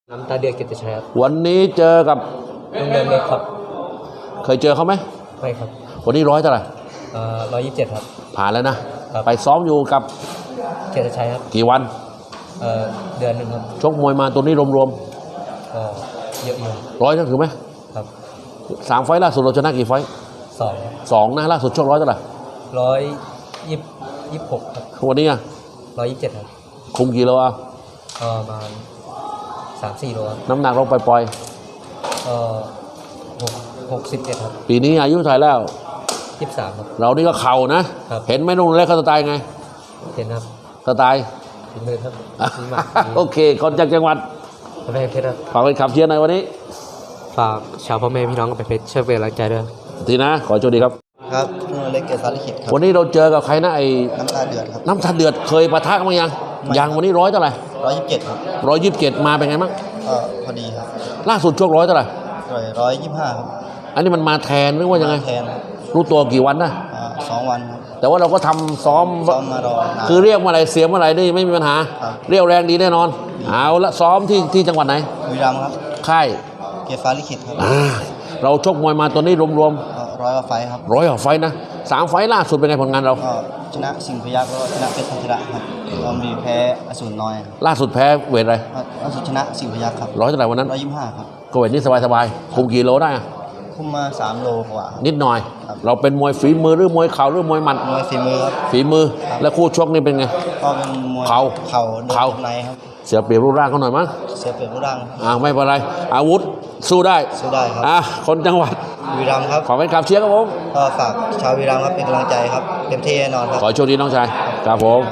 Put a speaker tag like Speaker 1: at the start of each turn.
Speaker 1: น้ำตาเดือดกิตติชัยครับ
Speaker 2: วันนี้เจอกับ
Speaker 1: ลุงเดินเล็กครับ
Speaker 2: เคยเจอเขาไหม
Speaker 1: ไม่ครับ
Speaker 2: วันนี้100เท่าไหร่
Speaker 1: 127ครับ
Speaker 2: ผ่านแล้วนะครับไปซ้อมอยู่กับ
Speaker 1: กิตติชัยครับ
Speaker 2: กี่วัน
Speaker 1: เดือนหนึ่งครับ
Speaker 2: ชกมวยมาตัวนี้รวม
Speaker 1: ๆเยอะอยู่
Speaker 2: 100นั่นถือไหม
Speaker 1: ครับ
Speaker 2: 3 ไฟล์ล่าสุดเราชนะกี่ไฟล์2นะล่าสุดชก100เท่าไหร่
Speaker 1: 126ครับ
Speaker 2: วันนี้
Speaker 1: 127ครับ
Speaker 2: คุมกี่โล
Speaker 1: ประมาณ3-4 โลครับ
Speaker 2: น้ำหนักเราปล่อย
Speaker 1: 61ครับ
Speaker 2: ปีนี้อายุเท่าไหร่แล้ว
Speaker 1: 23ครับ
Speaker 2: เรานี่ก็เข่านะครับเห็นไหมนุ่นเล็กเขาสไตล์ไง
Speaker 1: เห็นครับ
Speaker 2: สไตล์
Speaker 1: ฝีมือครับ
Speaker 2: โอเคคนจากจังหวัด
Speaker 1: กำแพงเพชรครับ
Speaker 2: ฝากไปขับเชียร์ในวันนี้
Speaker 1: ฝากชาวพ่อแม่พี่น้องกำแพงเพชรช่วยเป็นกำลังใจด้วย
Speaker 2: ทีนะขอโชคดีครับ
Speaker 3: ครับนุ่นเล็กเกษาลิขิตครับ
Speaker 2: วันนี้เราเจอกับใครนะ
Speaker 3: น้ำตาเดือดครับ
Speaker 2: น้ำตาเดือดเคยปะทะกันมั้ยยังวันนี้100เท่าไหร่
Speaker 3: 127ครับ
Speaker 2: 127มาเป็นไงบ้าง
Speaker 3: พอดีครับ
Speaker 2: ล่าสุดชก100เท่าไหร่
Speaker 3: 125ครับ
Speaker 2: อันนี้มันมาแทนหรือว่ายังไง
Speaker 3: แทน
Speaker 2: รู้ตัวกี่วันนะ
Speaker 3: 2 วันครับ
Speaker 2: แต่ว่าเราก็ทำซ้อม
Speaker 3: มารอ
Speaker 2: คือเรียกเมื่อไหร่เสียเมื่อไหร่นี่ไม่มีปัญหาเรียวแรงดีแน่นอนเอาละซ้อมที่จังหวัดไหน
Speaker 3: บุรีรัมย์ครับ
Speaker 2: ค่าย
Speaker 3: เกษาลิขิตครับ
Speaker 2: เราชกมวยมาตัวนี้รวม
Speaker 3: 100 กว่าไฟครับ
Speaker 2: 100 กว่าไฟนะ3 ไฟล่าสุดเป็นไงผลงานเรา
Speaker 3: ชนะสิงห์พยัคฆ์แล้วก็ชนะเพชรพัทระครับตอนมีแพ้อสูรน้อย
Speaker 2: ล่าสุดแพ้เวทอะไร
Speaker 3: ล่าสุดชนะสิงห์พยัคฆ์ครับ
Speaker 2: 100เท่าไหร่วันนั้น
Speaker 3: 125ครับ
Speaker 2: ก็เวทนี้สบายคุมกี่โลได้
Speaker 3: คุมมา3 โลกว่า
Speaker 2: นิดหน่อยเราเป็นมวยฝีมือหรือมวยเข่าหรือมวยหมัด
Speaker 3: มวยฝีมือครับ
Speaker 2: ฝีมือแล้วคู่ชกนี่เป็นไง
Speaker 3: ก็เป็นมวย
Speaker 2: เข่า
Speaker 3: ในครับ
Speaker 2: เสียเปรียบรูปร่างเขาหน่อยมั้ง
Speaker 3: เสียเปรียบรูปร่าง
Speaker 2: ไม่เป็นไรอาวุธสู้ได้
Speaker 3: ครับ
Speaker 2: คนจังหวัด
Speaker 3: บุรีรัมย์ครับ
Speaker 2: ขอเป็นขับเชียร์ครับผม
Speaker 3: ก็ฝากชาวบุรีรัมย์ครับเป็นกำลังใจครับเต็มที่แน่นอนครับ
Speaker 2: ขอโชคดีน้องชายครับผม